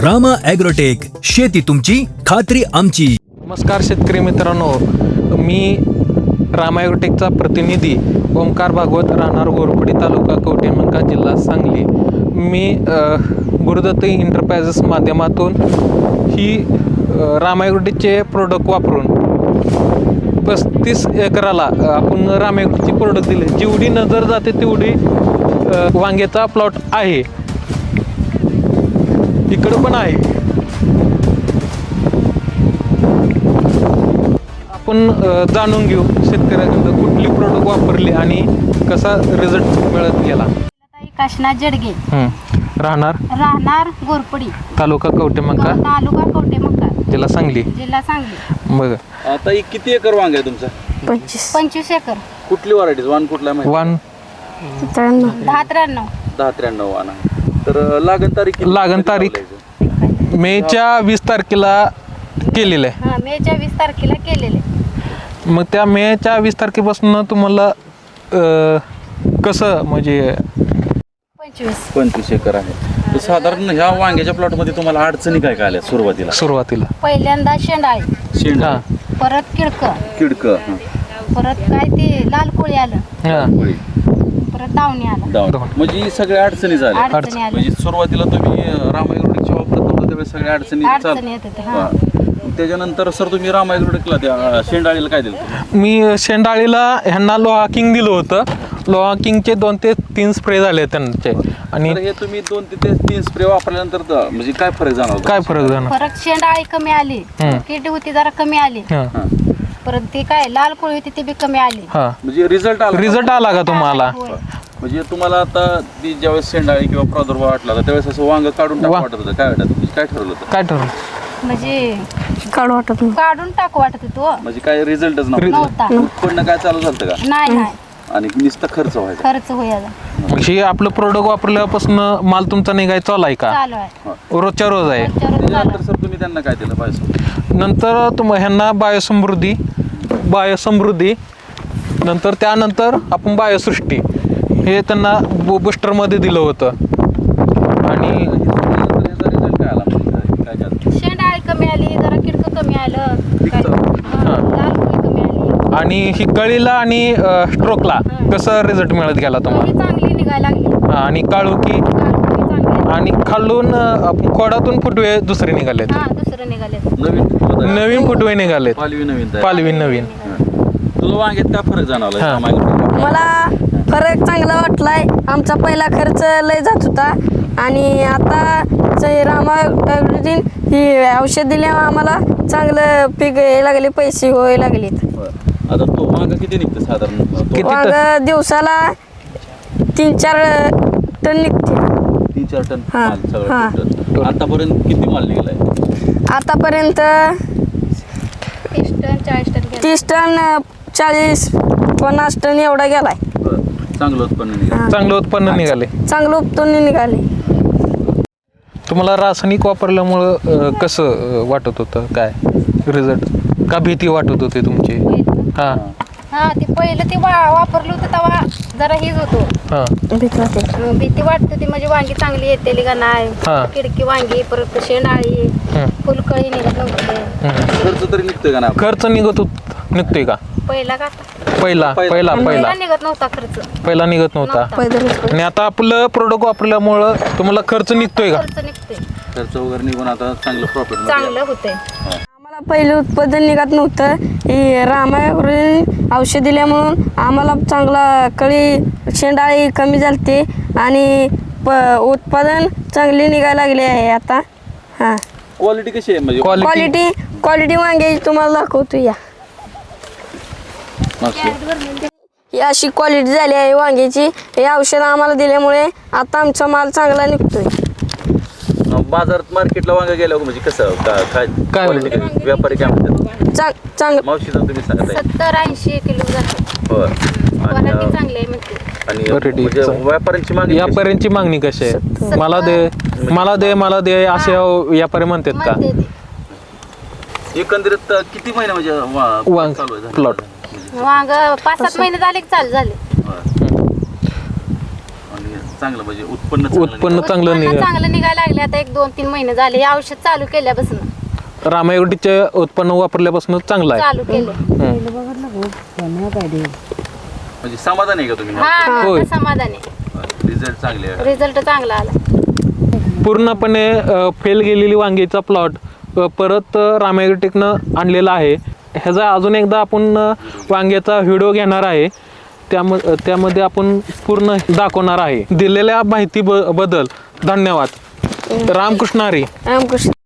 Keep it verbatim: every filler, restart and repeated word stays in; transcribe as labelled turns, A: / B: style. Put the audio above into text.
A: Rama agrotech, शेती तुमची खात्री आमची.
B: नमस्कार शेतकरी मित्रांनो, मी रामा ॲग्रोटेकचा प्रतिनिधी ओमकार भागवत, राहणार गोरपडी, तालुका कवठेमंकाळ, जिल्हा सांगली. मी गुरुदत्त इंटरप्राइजेस माध्यमातून ही रामा ॲग्रोटेकचे प्रोडक्ट वापरून पस्तीस एकराला आपण रामा ॲग्रोटेकचे प्रोडक्ट दिले. जेवढी नजर जाते तेवढी वांग्याचा प्लॉट आहे. इकडं पण आहे. आपण जाणून घेऊ शेतकऱ्याकडून कुठली प्रोडक्ट वापरली आणि कसा रिझल्ट मिळत गेला.
C: काशनाथ जडगे,
B: राहणार
C: राहणार गोरपडी,
B: तालुका कवठेमंकाळ,
C: तालुका कवठेमंकाळ,
B: जिल्हा सांगली.
C: जिल्हा सांगली.
B: बघ
D: आता एक किती एकर वांग आहे तुमचा?
C: पंचवीस पंचवीस एकर.
D: कुठली व्हरायटी वाण कुठला माहिती?
B: वान
C: दहा त्र्याण्णव
D: दहा त्र्याण्णव वाण आहे. तर लागण तारीख किती?
B: लागण तारीख मेच्या वीस तारखेला केलेलं आहे.
C: हा, मेच्या वीस तारखेला केलेले.
B: मग त्या मेच्या वीस तारखेपासून तुम्हाला अं, कसं म्हणजे
C: पंचवीस
D: पंचवीस एकर आहे. तर साधारण ह्या वांग्याच्या प्लॉट मध्ये तुम्हाला अडचणी काय काय आल्या सुरुवातीला?
B: सुरुवातीला
C: पहिल्यांदा शेंडाळी,
D: शेंड,
B: हां
C: परत किडक,
D: किडक,
C: परत काय ते लाल कोळी आलं,
B: हां
C: परत दावणी आलं.
D: डाऊन. म्हणजे ही सगळ्या अडचणी झाल्या.
C: अडचणी आल्या.
D: म्हणजे सुरुवातीला तुम्ही रामा ॲग्रोटेकची वापरत नव्हता त्यावेळेस सगळ्या अडचणी
C: अडचणी
D: चाल-
C: येत होत्या. हा.
D: हां. त्याच्यानंतर सर तुम्ही रामा ॲग्रोटेकला त्या शेंडाळीला काय दिलं?
B: मी शेंडाळीला ह्यांना लोहा किंग दिलं होतं. लोहा किंगचे दोन ते तीन स्प्रे झाले त्यांचे. आणि
D: तर हे तुम्ही दोन ते ते तीन स्प्रे वापरल्यानंतर तर म्हणजे काय फरक जाणवला?
B: काय फरक जाणार?
C: परत शेंडाळी कमी आली,
B: हम्म.
C: किड होती जरा कमी आली,
B: हां
D: हां.
C: परत ती काय लाल कोळी होती ती बी कमी आली.
B: हां
D: म्हणजे रिझल्ट आला?
B: रिझल्ट आला का तुम्हाला?
C: होय.
D: म्हणजे तुम्हाला आता ती ज्यावेळेस शेंडाळी किंवा प्रादुर्भाव वाटला होता त्यावेळेस असं वांग काढून टाकू
B: वा-
D: वाटत होतं? काय वाटत म्हणजे काय ठरवलं होतं?
B: काय ठरवलं?
C: म्हणजे काढू वाटत काढून टाकू वाटत होतो.
D: म्हणजे काय रिझल्टच
C: नव्हता.
D: उत्पन्न काय चालू झालं का?
C: नाही नाही
D: आणि नुसता खर्च व्हायचा?
C: खर्च होईल
B: मग हे आपलं प्रोडक्ट वापरल्यापासून माल तुमचा निघाय चालू आहे का?
C: चालू आहे.
B: रोजच्या रोज आहे.
C: रोजच्या रोज चालू
D: त्याच्यानंतर
C: आहे.
D: सर तुम्ही त्यांना काय दिलं पाहिजे?
B: नंतर तुम ह्यांना बायोसमृद्धी बायोसमृद्धी नंतर त्यानंतर आपण बायोसृष्टी हे त्यांना बु बुस्टरमध्ये दिलं होतं. आणि
D: रिझल्ट काय आला म्हणजे काय काय?
C: शेंडाळी कमी आली, जरा किडक कमी आलं, काय-
D: किडकं?
C: हा, लाल कोळी कमी आली.
B: आणि ही कळीला आणि स्ट्रोकला कसं रिझल्ट मिळत गेला तुम्हाला?
C: कोळी चांगली निघायला लागली.
B: हा, आणि काळुकी
C: काळोखी चांगली.
B: आणि खालून अं, आपण खोडातून फुटवे दुसरे निघालेत.
C: हा, दुसरं निघाले.
D: नवीन पदार्थ?
B: नवीन फुटवे निघालेत.
D: पालवी नवीन तयार.
B: पालवी नवीन.
D: तुला वांग्यात काय फरक जाणवला?
B: हां.
D: रामा ॲग्रोटेकला?
E: मला फरक चांगला वाटलाय. आमचा पहिला खर्च लय जात होता आणि आता जे रामा ॲग्रोटेक ही औषध दिल्यामुळे आम्हाला चांगलं पीक यायला लागले, पैसे व्हायला लागलेत.
D: बरं. आता तो वांग किती निघतं साधारण? तो
B: किती?
E: वांग दिवसाला तीन चार टन निघते.
D: तीन चार टन
E: हां.
D: माल सगळं
E: हां.
D: टोटल. आतापर्यंत किती माल निघालाय?
E: आतापर्यंत
C: तीस टन चाळीस टन गेलं.
E: तीस टन चाळीस पन्नास टन एवढा गेलाय.
D: बरं. चांगलं उत्पन्न निघालं.
B: चांगलं उत्पन्न निघाले.
E: चांगलं उपटून निघाले.
B: तुम्हाला रासायनिक वापरल्यामुळं अं, कसं अं, वाटत होतं? काय रिझल्ट का भीती वाटत होती तुमची? हां
C: हा, ते पहिलं ते वा वापरलं होतं तेव्हा जरा हेच होतो.
B: हां
E: भीती वाटते.
C: अं, भीती वाटत होती म्हणजे वांगी चांगली येते का नाही,
B: हा.
C: किडकी वांगी, परत शेंडाळी,
B: हं,
C: फुलकळी निघत नव्हते.
B: हं.
D: खर्च तरी निघतोय का नाही?
B: खर्च निघत होत निघतोय का?
C: पहिला का आता?
B: पहिला
D: पहिला.
B: पहिला पहिला
C: पहिला निघत नव्हता खर्च.
B: पहिला निघत नव्हता.
C: नव्हता.
E: पैदल
B: आणि आता आपलं प्रोडक्ट वापरल्यामुळं तुम्हाला खर्च निघतोय का?
C: खर्च निघते,
D: खर्च वगैरे निघून आता चांगलं प्रॉफिट
C: चांगलं होते.
E: आम्हाला पहिलं उत्पादन निघत नव्हतं. ही रामा ॲग्रोटेक औषध दिल्यामुळं आम्हाला चांगला कळी शेंडाळी कमी झालते आणि प उत्पादन चांगली निघायला लागले आहे आता. हां,
D: क्वालिटी कशी आहे म्हणजे?
B: क्वालिटी
E: क्वालिटी क्वालिटी वांग्याची तुम्हाला दाखवतो. या
D: मागचं.
E: ही अशी क्वालिटी झाली आहे वांग्याची. हे औषध आम्हाला दिल्यामुळे आता आमचा माल चांगला निघतोय.
D: बाजारात मार्केटला वांग गेल्यावर म्हणजे कसं का- काय
B: काय
D: quality कशी? व्यापारी काय म्हणतात?
E: चांग चांग
D: मावशीचं तुम्ही सांगत आहे.
C: सत्तर ऐंशी किलो जाते.
D: बरं. आणि
C: क्वालिटी चांगली आहे म्हणते.
D: आणि
B: Quality
D: म्हणजे
B: चांगली.
D: व्यापाऱ्यांची मागणी कशी?
B: व्यापाऱ्यांची मागणी कशी आहे? मला दे मला दे मला दे असे व्यापारी म्हणतात का?
C: म्हणते ते.
D: एकंदरीत किती महिने म्हणजे वा-
B: वांग
D: चालू आहे?
B: प्लॉट
C: वांग पाच सात महिने झाले की चालू झाले.
D: बरं. आणि चांगलं म्हणजे उत्पन्न चांगलं
B: उत्पन्न
D: निघालं?
B: चांगलं
C: उत्पन्न
B: निघा
C: चांगलं निघायला लागले आता एक दोन तीन महिने झाले हे औषध चालू केल्यापासून
B: रामायगडचे उत्पन्न वापरल्यापासून चांगलं आहे
C: चालू केलं
D: म्हणजे समाधान आहे का तुम्ही
C: हा
B: होय.
C: आता समाधान आहे
D: रिझल्ट चांगले आहे
C: रिझल्ट चांगला आला
B: पूर्णपणे फेल गेलेली वांगीचा प्लॉट परत रामायगडटेकनं आणलेला आहे. ह्याचा अजून एकदा आपण अ, वांग्याचा व्हिडिओ घेणार आहे. त्याम त्यामध्ये आपण पूर्ण दाखवणार आहे. दिलेल्या माहिती ब बद्दल धन्यवाद. रामकृष्ण हरी.
E: रामकृष्ण.